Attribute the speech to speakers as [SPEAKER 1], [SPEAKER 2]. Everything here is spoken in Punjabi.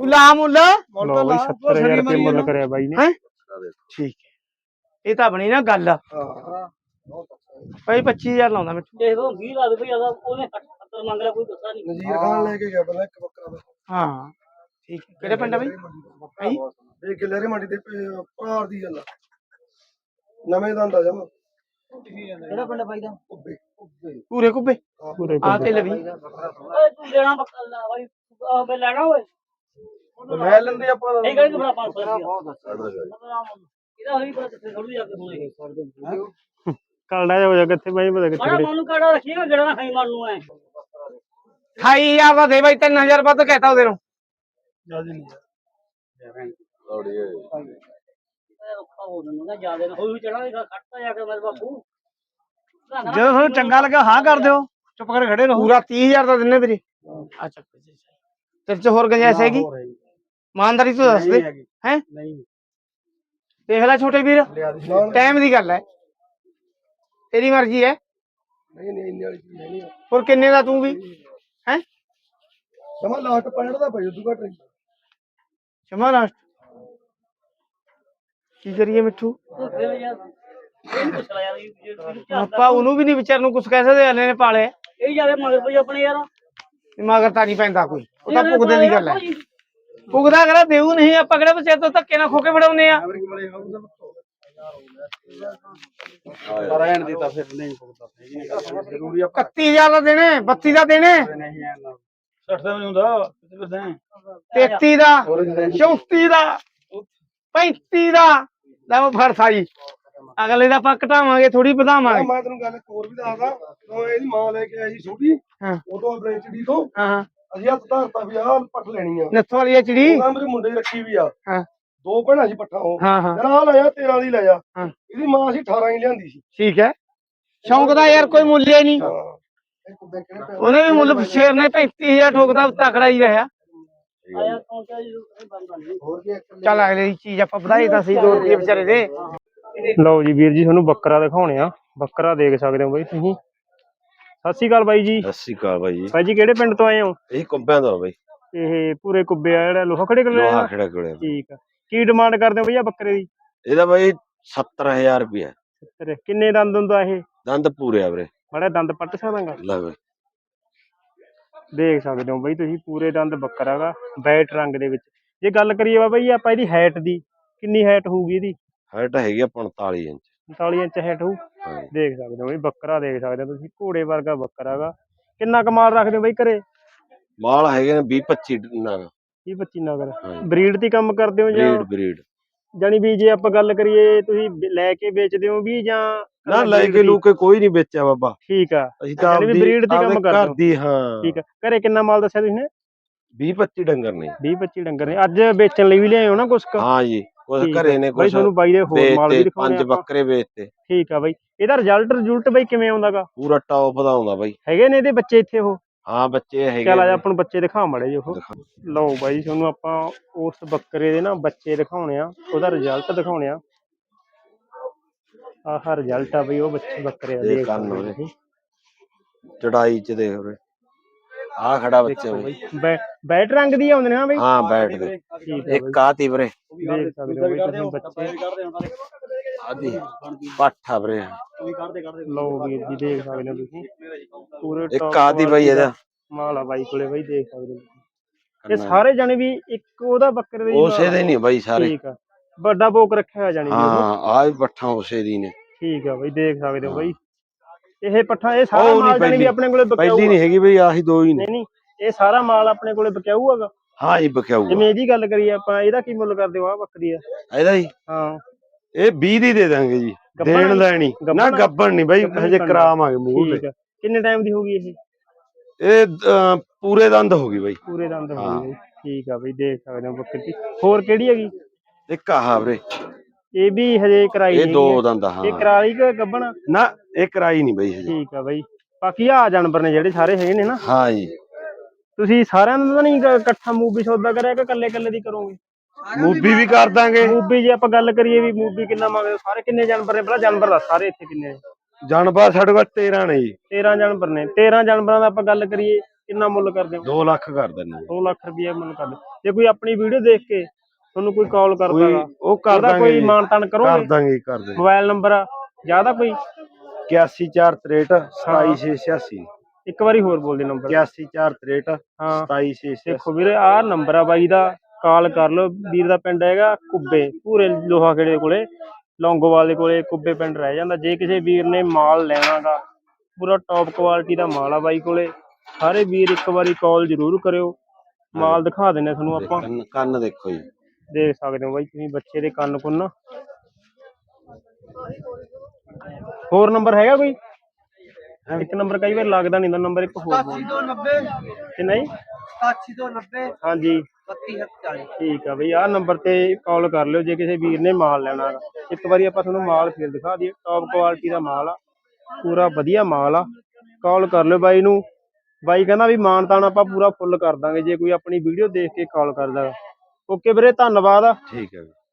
[SPEAKER 1] ਲਾ ਮੁੱਲ
[SPEAKER 2] ਲਓ ਬਈ 70000 ਰੁਪਏ ਮੁੱਲ ਕਰਿਆ ਬਾਈ ਨੇ।
[SPEAKER 1] ਠੀਕ ਹੈ ਇਹ ਤਾਂ ਬਣੀ ਨਾ ਗੱਲ ਭਾਈ 25000 ਲਾਉਂਦਾ ਮੈਂ
[SPEAKER 3] ਦੇਖ ਲਓ 20 ਲਾ ਦੇ ਭਈ ਆਦਾ ਉਹਨੇ 70 ਮੰਗ ਲਿਆ ਕੋਈ ਗੁੱਸਾ ਨਹੀਂ।
[SPEAKER 4] ਨਜ਼ੀਰ ਖਾਨ ਲੈ ਕੇ ਗਿਆ ਪਹਿਲਾਂ ਇੱਕ ਬੱਕਰਾ
[SPEAKER 1] ਹਾਂ ਠੀਕ ਹੈ ਕਿਹੜੇ ਪਿੰਡ ਆ ਬਾਈ
[SPEAKER 4] ਇਹ ਗਿੱਲੇਰੀ ਮੰਡੀ ਦੇ ਭਾਰ ਦੀ ਗੱਲ ਨਵੇਂ ਦੰਦ ਆ ਜਮਾ
[SPEAKER 3] ਕਿਹੜਾ ਪਿੰਡ ਬਾਈ ਦਾ?
[SPEAKER 1] ਪੂਰੇ ਕੁੱਬੇ ਆ ਤੇ ਲਵੀ
[SPEAKER 3] ਓਏ ਤੂੰ ਲੈਣਾ ਬੱਕਰਾ ਬਾਈ ਮੈਂ ਲੈਣਾ ਓਏ
[SPEAKER 4] ਲੈ ਲੈਂਦੇ ਆਪਾਂ
[SPEAKER 3] ਇਹ ਕਹਿੰਦੇ ਬੜਾ 500 ਇਹਦਾ ਹੋਈ ਬੜਾ ਕਿੱਥੇ ਥੋੜੀ ਜਾ ਕੇ ਹੋਣੇ
[SPEAKER 2] ਕਲੜਾ ਜਾ ਹੋ ਜਾ ਕਿੱਥੇ ਬਾਈ ਪਤਾ ਕਿੱਥੇ
[SPEAKER 3] ਮਾੜਾ ਮਨ ਨੂੰ ਕਾੜਾ ਰੱਖੀਗਾ ਗੜਾ ਨਾ ਖਾਈ ਮਨ ਨੂੰ ਐ
[SPEAKER 1] 28000 ਦਾ ਦੇ ਬਾਈ 3000 ਵੱਧ ਕਹਿਤਾ ਉਹਦੇ ਨੂੰ
[SPEAKER 4] ਜਲਦੀ ਨਹੀਂ
[SPEAKER 3] ਔਖਾ ਹੋ ਜਾਂਦਾ ਜਿਆਦਾ ਨਾ ਹੋਈ ਚੜਾਂਗਾ ਖੱਟਾ ਜਾ ਕੇ ਮੇਰੇ ਬਾਪੂ
[SPEAKER 1] ਜਦੋਂ ਤੁਹਾਨੂੰ ਚੰਗਾ ਲੱਗਾ ਹਾਂ ਕਰ ਦਿਓ ਚੁੱਪ ਕਰਕੇ ਖੜੇ ਰਹੋ ਪੂਰਾ 30000 ਦਾ ਦਿੰਨੇ ਵੀਰੇ ਆ ਚੱਕ ਤੇਰੇ ਚ ਹੋਰ ਗੁੰਜਾਇਸ਼ ਹੈਗੀ ਇਮਾਨਦਾਰੀ ਤੋਂ ਦੱਸ ਦੇ ਹੈ
[SPEAKER 4] ਨਹੀਂ
[SPEAKER 1] ਦੇਖ ਲੈ ਛੋਟੇ ਵੀਰ ਟਾਈਮ ਦੀ ਗੱਲ ਹੈ ਤੇਰੀ ਮਰਜ਼ੀ ਹੈ
[SPEAKER 4] ਨਹੀਂ ਨਹੀਂ ਇੰਨੀ ਵਾਲੀ ਚੀਜ਼ ਨਹੀਂ
[SPEAKER 1] ਹੋਰ ਕਿੰਨੇ ਦਾ ਤੂੰ ਵੀ ਹੈ
[SPEAKER 4] ਸਮਾਂ ਲਾਸਟ 65 ਦਾ ਪਈ ਉਦੋਂ ਘੱਟ ਨਹੀਂ
[SPEAKER 1] ਸ਼ਮਾ ਲਾਸਟ ਕੀ ਕਰੀਏ ਮਿੱਠੂ
[SPEAKER 3] ਫਿਰ ਯਾਰ ਇਹ ਪੁੱਛ ਲੈ ਯਾਰ
[SPEAKER 1] ਆਪਾਂ ਉਹਨੂੰ ਵੀ ਨਹੀਂ ਵਿਚਾਰ ਨੂੰ ਕੁਛ ਕਹਿ ਸਕਦੇ ਹਲੇ ਨੇ ਪਾਲੇ
[SPEAKER 3] ਇਹ ਜਿਆਦਾ ਮਗਰ ਪਈ ਆਪਣੇ ਯਾਰ
[SPEAKER 1] ਮਗਰ ਤਾਂ ਨਹੀਂ ਪੈਂਦਾ ਕੋਈ ਉਹ ਤਾਂ ਭੁਗਦੇ ਦੀ ਗੱਲ ਹੈ ਭੁਗਦਾ ਕਰਾ ਦੇਊ ਨਹੀਂ ਆਪਾਂ ਕਿਹੜਾ ਬੱਚੇ ਤੋਂ ਧੱਕੇ ਨਾਲ ਖੋ ਕੇ ਫੜਾਉਨੇ ਆ
[SPEAKER 4] ਰਹਿਣ ਦੀ ਤਾਂ ਫਿਰ ਨਹੀਂ ਭੁਗਦਾ ਜ਼ਰੂਰੀ
[SPEAKER 1] 31000 ਦਾ ਦੇਣੇ 32 ਦਾ ਦੇਣੇ
[SPEAKER 4] 60 ਦਾ ਨਹੀਂ ਹੁੰਦਾ ਕਿੱਥੇ ਫਿਰਦੇ
[SPEAKER 1] 33 ਦਾ 34 ਦਾ 35 ਦਾ ਲੈ ਉਹ ਫੜ ਸਾਈ ਅਗਲੇ ਦਾ ਆਪਾਂ ਘਟਾਵਾਂਗੇ ਥੋੜੀ ਵਧਾਵਾਂਗੇ
[SPEAKER 4] ਮੈਂ ਤੈਨੂੰ ਗੱਲ ਹੋਰ ਵੀ ਦੱਸਦਾ ਉਹ ਇਹਦੀ ਮਾਂ ਲੈ ਕੇ ਆਈ ਸੀ ਛੋਟੀ
[SPEAKER 1] ਹਾਂ
[SPEAKER 4] ਉਦੋਂ ਬ੍ਰੈਂਚੜੀ ਤੋਂ
[SPEAKER 1] ਹਾਂ
[SPEAKER 4] ਅਸੀਂ ਹੱਥ ਧਰਤਾ ਵੀ ਆਹ ਪੱਠ ਲੈਣੀ ਆ
[SPEAKER 1] ਨੱਥ ਵਾਲੀ ਚਿੜੀ
[SPEAKER 4] ਉਹਨਾਂ ਮੇਰੇ ਮੁੰਡੇ ਦੀ ਰੱਖੀ ਵੀ ਆ
[SPEAKER 1] ਹਾਂ
[SPEAKER 4] ਦੋ ਭੈਣਾਂ ਸੀ ਪੱਠਾ ਉਹ
[SPEAKER 1] ਹਾਂ ਹਾਂ
[SPEAKER 4] ਜਰਾ ਲੈ ਜਾ 13 ਦੀ ਲੈ ਜਾ
[SPEAKER 1] ਹਾਂ
[SPEAKER 4] ਇਹਦੀ ਮਾਂ ਸੀ 18 ਹੀ ਲਿਆਂਦੀ ਸੀ
[SPEAKER 1] ਠੀਕ ਹੈ ਸ਼ੌਂਕ ਦਾ ਯਾਰ ਕੋਈ ਮੁੱਲ ਹੀ ਨਹੀਂ ਉਹਨੇ ਵੀ ਮੁੱਲ ਸ਼ੇਰ ਨੇ 35000 ਠੋਕਦਾ ਤਕੜਾ ਹੀ ਰਿਹਾ
[SPEAKER 3] ਆਇਆ ਪਹੁੰਚਿਆ ਜੀ ਬੰਦਾ ਨਹੀਂ
[SPEAKER 4] ਹੋਰ ਕੀ
[SPEAKER 1] ਚੱਲ ਅਗਲੇ ਦੀ ਚੀਜ਼ ਆਪਾਂ ਵਧਾਈ ਤਾਂ ਸਹੀ 2 ਰੁਪਏ ਵਿਚਾਰੇ ਦੇ
[SPEAKER 2] ਲਓ ਜੀ ਵੀਰ ਜੀ ਤੁਹਾਨੂੰ ਬੱਕਰਾ ਦਿਖਾਉਣੇ ਆ ਬੱਕਰਾ ਦੇਖ ਸਕਦੇ ਹੋ ਬਾਈ ਤੁਸੀਂ। ਸਤਿ ਸ਼੍ਰੀ ਅਕਾਲ ਬਾਈ ਜੀ।
[SPEAKER 5] ਸਤਿ ਸ਼੍ਰੀ ਅਕਾਲ ਬਾਈ ਜੀ।
[SPEAKER 2] ਬਾਈ ਜੀ ਕਿਹੜੇ ਪਿੰਡ ਤੋਂ ਆਏ ਹੋ?
[SPEAKER 5] ਇਹ ਕੁੰਬਿਆਂ ਦਾ ਬਾਈ
[SPEAKER 2] ਇਹ ਪੂਰੇ ਕੁੱਬੇ ਆ ਜਿਹੜਾ ਲੋਹਾ ਖੜੇ ਕੋਲ
[SPEAKER 5] ਲੋਹਾ ਖੜਾ ਕੋਲੇ
[SPEAKER 2] ਠੀਕ ਆ। ਕੀ ਡਿਮਾਂਡ ਕਰਦੇ ਹੋ ਭਈਆ ਬੱਕਰੇ ਦੀ?
[SPEAKER 5] ਇਹਦਾ ਬਾਈ 70000 ਰੁਪਇਆ।
[SPEAKER 2] ਕਿੰਨੇ ਦੰਦ ਹੁੰਦਾ ਇਹ?
[SPEAKER 5] ਦੰਦ ਪੂਰੇ ਆ ਵੀਰੇ।
[SPEAKER 2] ਮਾੜਾ ਦੰਦ ਪੱਟ ਸਕਦਾਂਗਾ?
[SPEAKER 5] ਲੈ ਬਾਈ
[SPEAKER 2] ਦੇਖ ਸਕਦੇ ਹੋ ਬਾਈ ਤੁਸੀਂ ਪੂਰੇ ਦੰਦ ਬੱਕਰਾ ਗਾ ਵਾਈਟ ਰੰਗ ਦੇ ਵਿੱਚ। ਜੇ ਗੱਲ ਕਰੀਏ ਬਾਬਾ ਜੀ ਆਪਾਂ ਇਹਦੀ ਹਾਈਟ ਦੀ ਕਿੰਨੀ ਹਾਈਟ ਹੋਊਗੀ ਇਹਦੀ?
[SPEAKER 5] ਹਾਈਟ ਹੈਗੀ ਆ 45 ਇੰਚ
[SPEAKER 2] 45 ਇੰਚ ਹਾਈਟ ਹੋਊ।
[SPEAKER 5] ਹਾਂ
[SPEAKER 2] ਦੇਖ ਸਕਦੇ ਹੋ ਬਈ ਬੱਕਰਾ ਦੇਖ ਸਕਦੇ ਹੋ ਤੁਸੀਂ ਘੋੜੇ ਵਰਗਾ ਬੱਕਰਾ ਗਾ। ਕਿੰਨਾ ਕਮਾਲ ਰੱਖਦੇ ਹੋ ਬਈ ਘਰੇ?
[SPEAKER 5] ਮਾਲ ਹੈਗੇ ਨੇ 20 25 ਨਗ
[SPEAKER 2] 20 25 ਨਗਰ।
[SPEAKER 5] ਹਾਂ
[SPEAKER 2] ਬਰੀਡ ਦੀ ਕੰਮ ਕਰਦੇ ਹੋ ਜਾਂ
[SPEAKER 5] ਬਰੀਡ
[SPEAKER 2] ਜਾਨੀ ਵੀ ਜੇ ਆਪਾਂ ਗੱਲ ਕਰੀਏ ਤੁਸੀਂ ਲੈ ਕੇ ਵੇਚਦੇ ਹੋ ਵੀ ਜਾਂ
[SPEAKER 5] ਨਾ ਲੈ ਕੇ ਲੂਕੇ ਕੋਈ ਨਹੀਂ ਵੇਚਿਆ ਬਾਬਾ।
[SPEAKER 2] ਠੀਕ ਆ
[SPEAKER 5] ਅਸੀਂ ਤਾਂ
[SPEAKER 2] ਯਾਨੀ ਵੀ ਬਰੀਡ ਦੀ ਕੰਮ ਕਰਦੇ ਹੋ।
[SPEAKER 5] ਕਰਦੀ ਹਾਂ
[SPEAKER 2] ਠੀਕ ਆ। ਘਰੇ ਕਿੰਨਾ ਮਾਲ ਦੱਸਿਆ ਤੁਸੀਂ ਨੇ?
[SPEAKER 5] 20 25 ਡੰਗਰ ਨੇ
[SPEAKER 2] 20 25 ਡੰਗਰ ਨੇ। ਅੱਜ ਵੇਚਣ ਲਈ ਵੀ ਲਿਆਏ ਹੋ ਨਾ ਕੁਛ ਕੁ?
[SPEAKER 5] ਹਾਂ ਜੀ ਕੁਛ
[SPEAKER 2] ਠੀਕ ਆ।
[SPEAKER 5] ਘਰੇ ਨੇ
[SPEAKER 2] ਬਾਈ
[SPEAKER 5] ਕੁਛ
[SPEAKER 2] ਤੁਹਾਨੂੰ ਬਾਈ ਦੇ ਹੋਰ ਮਾਲ ਵੀ
[SPEAKER 5] ਵੇਚਤੇ
[SPEAKER 2] ਦਿਖਾਉਣੇ
[SPEAKER 5] 5
[SPEAKER 2] ਆਪਾਂ।
[SPEAKER 5] ਬੱਕਰੇ ਵੇਚਤੇ।
[SPEAKER 2] ਠੀਕ ਆ ਬਾਈ ਇਹਦਾ ਰਿਜ਼ਲਟ ਬਾਈ ਕਿਵੇਂ ਆਉਂਦਾਗਾ?
[SPEAKER 5] ਪੂਰਾ ਟੌਪ ਦਾ ਆਉਂਦਾ ਬਾਈ।
[SPEAKER 2] ਹੈਗੇ ਨੇ ਇਹਦੇ ਬੱਚੇ ਇੱਥੇ ਉਹ?
[SPEAKER 5] ਹਾਂ ਬੱਚੇ ਹੈਗੇ
[SPEAKER 2] ਚੱਲ ਆ ਜਾ
[SPEAKER 5] ਨੇ।
[SPEAKER 2] ਆਪਾਂ ਨੂੰ ਬੱਚੇ ਦਿਖਾ ਮੜੇ ਜੀ ਉਹ। ਲਓ ਬਾਈ ਤੁਹਾਨੂੰ ਆਪਾਂ ਉਸ ਬੱਕਰੇ ਦੇ ਨਾ ਬੱਚੇ ਦਿਖਾਉਣੇ ਆ ਉਹਦਾ ਰਿਜ਼ਲਟ ਦਿਖਾਉਣੇ ਆ। ਆਹ ਰਿਜ਼ਲਟ ਆ ਬਈ ਉਹ ਬੱਕਰੇ ਆ
[SPEAKER 5] ਦੇਖ
[SPEAKER 2] ਦੇਖ
[SPEAKER 5] ਕੰਨ
[SPEAKER 2] ਸਕਦੇ
[SPEAKER 5] ਉਹਦੇ।
[SPEAKER 2] ਤੁਸੀਂ।
[SPEAKER 5] ਚੜਾਈ ਚ ਦੇਖ ਉਰੇ ਆ ਖੜਾ ਬੱਚਾ ਬਾਈ।
[SPEAKER 2] ਬੈਟ ਰੰਗ ਦੀ ਆਉਂਦੇ ਨੇ ਨਾ ਬਈ?
[SPEAKER 5] ਹਾਂ ਬੈਠ ਦੇ
[SPEAKER 2] ਠੀਕ ਆ
[SPEAKER 5] ਇੱਕ ਆ ਤੀ ਵੀਰੇ
[SPEAKER 2] ਦੇਖ ਸਕਦੇ ਹੋ ਬਈ ਤੁਸੀਂ ਬੱਚੇ।
[SPEAKER 5] ਆਦੀ ਪਾਠਾ ਵੀਰੇ
[SPEAKER 2] ਲਓ ਵੀਰ ਜੀ ਦੇਖ ਸਕਦੇ ਹੋ ਤੁਸੀਂ ਪੂਰੇ
[SPEAKER 5] ਇੱਕ
[SPEAKER 2] top
[SPEAKER 5] ਆਦੀ ਬਾਈ ਇਹਦਾ
[SPEAKER 2] ਮਾਲ ਆ ਬਾਈ ਕੋਲੇ ਬਈ ਦੇਖ ਸਕਦੇ ਹੋ ਤੁਸੀਂ। ਇਹ ਸਾਰੇ ਜਾਣੇ ਵੀ ਇੱਕ ਉਹਦਾ ਬੱਕਰੇ ਦੇ
[SPEAKER 5] ਉਸੇ ਦੇ ਨਹੀਂ ਬਾਈ ਸਾਰੇ।
[SPEAKER 2] ਠੀਕ ਆ ਵੱਡਾ ਬੋਕ ਰੱਖਿਆ ਹੋਇਆ ਜਾਣੀ
[SPEAKER 5] ਹਾਂ ਆ ਵੀ ਪੱਠਾ ਉਸੇ ਦੀ ਨੇ।
[SPEAKER 2] ਠੀਕ ਆ ਬਈ ਦੇਖ ਸਕਦੇ ਹੋ ਬਈ ਇਹ ਪੱਠਾ ਇਹ ਸਾਰਾ ਮਾਲ ਜਾਣੀ ਵੀ ਆਪਣੇ ਕੋਲੇ ਬਕਿਆਊ
[SPEAKER 5] ਪਹਿਲੀ ਨਹੀਂ ਹੈਗੀ ਬਈ ਆਹੀ ਦੋ ਹੀ ਨੇ।
[SPEAKER 2] ਨਹੀਂ ਇਹ ਸਾਰਾ ਮਾਲ ਆਪਣੇ ਕੋਲੇ ਬਕਿਆਊ ਹੈਗਾ।
[SPEAKER 5] ਹਾਂ ਜੀ ਬਕਿਆਊ
[SPEAKER 2] ਜਿਵੇਂ ਇਹਦੀ ਗੱਲ ਕਰੀਏ ਆਪਾਂ ਇਹਦਾ ਕੀ ਮੁੱਲ ਕਰਦੇ ਹੋ ਆ ਬੱਕਰੀ ਦਾ?
[SPEAKER 5] ਇਹਦਾ ਜੀ
[SPEAKER 2] ਹਾਂ
[SPEAKER 5] ਇਹ 20 ਦੀ ਦੇ ਦਾਂਗੇ ਜੀ।
[SPEAKER 2] ਗੱਭਣ
[SPEAKER 5] ਦੇਣ ਲੈਣੀ ਨਾ ਗੱਬਣ ਨਹੀਂ ਬਾਈ ਹਜੇ ਕਰਾਵਾਂਗੇ ਮੂੰਹ
[SPEAKER 2] ਠੀਕ
[SPEAKER 5] ਤੇ।
[SPEAKER 2] ਆ ਕਿੰਨੇ ਟਾਈਮ ਦੀ ਹੋਗੀ ਇਹ?
[SPEAKER 5] ਇਹ ਪੂਰੇ ਦੰਦ ਹੋ ਗਈ ਬਾਈ।
[SPEAKER 2] ਪੂਰੇ ਦੰਦ ਹੋ ਗਏ। ਠੀਕ ਆ ਬਈ ਦੇਖ ਸਕਦੇ ਹੋ ਬੱਕਰੀ। ਹੋਰ ਕਿਹੜੀ ਹੈਗੀ?
[SPEAKER 5] ਇੱਕ ਆਹ ਵੀਰੇ
[SPEAKER 2] ਇਹ ਵੀ ਹਜੇ ਕਰਾਈ
[SPEAKER 5] ਇਹ
[SPEAKER 2] ਨਹੀਂ
[SPEAKER 5] ਦੋ ਦੰਦ ਹਾਂ
[SPEAKER 2] ਇਹ ਕਰਾਲੀ ਕਿ ਗੱਬਣ?
[SPEAKER 5] ਨਾ ਇਹ ਕਰਾਈ ਨਹੀਂ ਬਾਈ ਹਜੇ।
[SPEAKER 2] ਠੀਕ ਆ ਬਈ ਬਾਕੀ ਆ ਜਾਨਵਰ ਨੇ ਜਿਹੜੇ ਸਾਰੇ ਹੈਗੇ ਨੇ ਨਾ
[SPEAKER 5] ਹਾਂ ਜੀ
[SPEAKER 2] ਤੁਸੀਂ ਸਾਰਿਆਂ ਦਾ ਤਾਂ ਨਹੀਂ ਇਕੱਠਾ ਮੂਵੀ ਸੌਦਾ ਕਰਿਆ ਕਿ ਕੱਲੇ ਕੱਲੇ ਦੀ ਕਰੋਗੇ?
[SPEAKER 5] ਮੂਵੀ ਵੀ ਕਰ ਦਾਂਗੇ।
[SPEAKER 2] ਮੂਵੀ ਜੇ ਆਪਾਂ ਗੱਲ ਕਰੀਏ ਵੀ ਮੂਵੀ ਕਿੰਨਾ ਮੰਗਦੇ ਸਾਰੇ ਕਿੰਨੇ ਜਾਨਵਰ ਨੇ? ਪਹਿਲਾਂ ਜਾਨਵਰ ਦੱਸ ਸਾਰੇ ਇੱਥੇ ਕਿੰਨੇ ਨੇ?
[SPEAKER 5] ਜਾਨਵਰ ਸਾਡੇ ਕੋਲ 13 ਨੇ ਜੀ।
[SPEAKER 2] 13 ਜਾਨਵਰ ਨੇ। 13 ਜਾਨਵਰਾਂ ਦਾ ਆਪਾਂ ਗੱਲ ਕਰੀਏ ਕਿੰਨਾ ਮੁੱਲ ਕਰਦੇ ਹੋ?
[SPEAKER 5] 2 ਲੱਖ ਕਰ ਦਿੰਦੇ
[SPEAKER 2] 2 ਲੱਖ ਰੁਪਏ ਮੁੱਲ ਕਰਦੇ। ਜੇ ਕੋਈ ਆਪਣੀ ਵੀਡੀਓ ਦੇਖ ਕੇ ਤੁਹਾਨੂੰ ਕੋਈ ਕਾਲ ਕਰਦਾ
[SPEAKER 5] ਕੋਈ
[SPEAKER 2] ਗਾ,
[SPEAKER 5] ਉਹ ਕਰ
[SPEAKER 2] ਉਹਦਾ
[SPEAKER 5] ਦਾਂਗੇ
[SPEAKER 2] ਕੋਈ
[SPEAKER 5] ਜੀ।
[SPEAKER 2] ਮਾਨਤਾਨ
[SPEAKER 5] ਕਰ
[SPEAKER 2] ਕਰੋਗੇ?
[SPEAKER 5] ਦਾਂਗੇ ਕਰ ਦਾਂਗੇ।
[SPEAKER 2] ਮੋਬਾਈਲ ਨੰਬਰ ਜ਼ਿਆਦਾ ਕੋਈ
[SPEAKER 5] 81463 27686
[SPEAKER 2] ਇੱਕ ਵਾਰੀ ਹੋਰ ਬੋਲ ਦੇ ਨੰਬਰ।
[SPEAKER 5] 81463
[SPEAKER 2] ਹਾਂ
[SPEAKER 5] 27686।
[SPEAKER 2] ਦੇਖੋ ਵੀਰੇ ਆਹ ਨੰਬਰ ਆ ਬਾਈ ਦਾ, ਕਾਲ ਕਰ ਲਓ। ਵੀਰ ਦਾ ਪਿੰਡ ਹੈਗਾ ਕੁੱਬੇ, ਪੂਰੇ ਲੋਹਾ ਖੇੜੇ ਕੋਲੇ, ਲੌਂਗੋਵਾਲ ਦੇ ਕੋਲੇ ਕੁੱਬੇ ਪਿੰਡ ਰਹਿ ਜਾਂਦਾ। ਜੇ ਕਿਸੇ ਵੀਰ ਨੇ ਮਾਲ ਲੈਣਾਗਾ, ਪੂਰਾ ਟੌਪ ਕੁਆਲਿਟੀ ਦਾ ਮਾਲ ਆ ਬਾਈ ਕੋਲੇ। ਸਾਰੇ ਵੀਰ ਇੱਕ ਵਾਰੀ ਕਾਲ ਜ਼ਰੂਰ ਕਰਿਓ, ਮਾਲ ਦਿਖਾ ਦਿੰਨੇ ਤੁਹਾਨੂੰ ਆਪਾਂ।
[SPEAKER 5] ਕੰਨ ਦੇਖੋ ਜੀ,
[SPEAKER 2] ਦੇਖ ਸਕਦੇ ਹੋ ਬਾਈ ਤੁਸੀਂ ਬੱਚੇ ਦੇ ਕੰਨ ਕੁੰਨ। ਹੋਰ ਨੰਬਰ ਹੈਗਾ ਕੋਈ? ਇੱਕ ਨੰਬਰ ਕਈ ਵਾਰ ਲੱਗਦਾ ਨਹੀਂ, ਨੰਬਰ ਇੱਕ ਹੋਰ ਬੋਲ।
[SPEAKER 1] 8290
[SPEAKER 2] ਕਿੰਨਾ ਜੀ?
[SPEAKER 1] 8290
[SPEAKER 2] ਹਾਂਜੀ
[SPEAKER 1] 3240।
[SPEAKER 2] ਠੀਕ ਆ ਬਈ, ਆਹ ਨੰਬਰ ਤੇ ਕਾਲ ਕਰ ਲਿਓ ਜੇ ਕਿਸੇ ਵੀਰ ਨੇ ਮਾਲ ਲੈਣਾ ਗਾ। ਇੱਕ ਵਾਰੀ ਆਪਾਂ ਤੁਹਾਨੂੰ ਮਾਲ ਫੇਰ ਦਿਖਾ ਦਈਏ, ਟੌਪ ਕੁਆਲਿਟੀ ਦਾ ਮਾਲ ਆ, ਪੂਰਾ ਵਧੀਆ ਮਾਲ ਆ। ਕਾਲ ਕਰ ਲਿਓ ਬਾਈ ਨੂੰ। ਬਾਈ ਕਹਿੰਦਾ ਵੀ ਮਾਨ ਤਾਨ ਆਪਾਂ ਪੂਰਾ ਫੁੱਲ ਕਰ ਦਾਂਗੇ ਜੇ ਕੋਈ ਆਪਣੀ ਵੀਡੀਓ ਦੇਖ ਕੇ ਕਾਲ ਕਰਦਾ। ਓਕੇ ਵੀਰੇ, ਧੰਨਵਾਦ।
[SPEAKER 5] ਠੀਕ ਹੈ।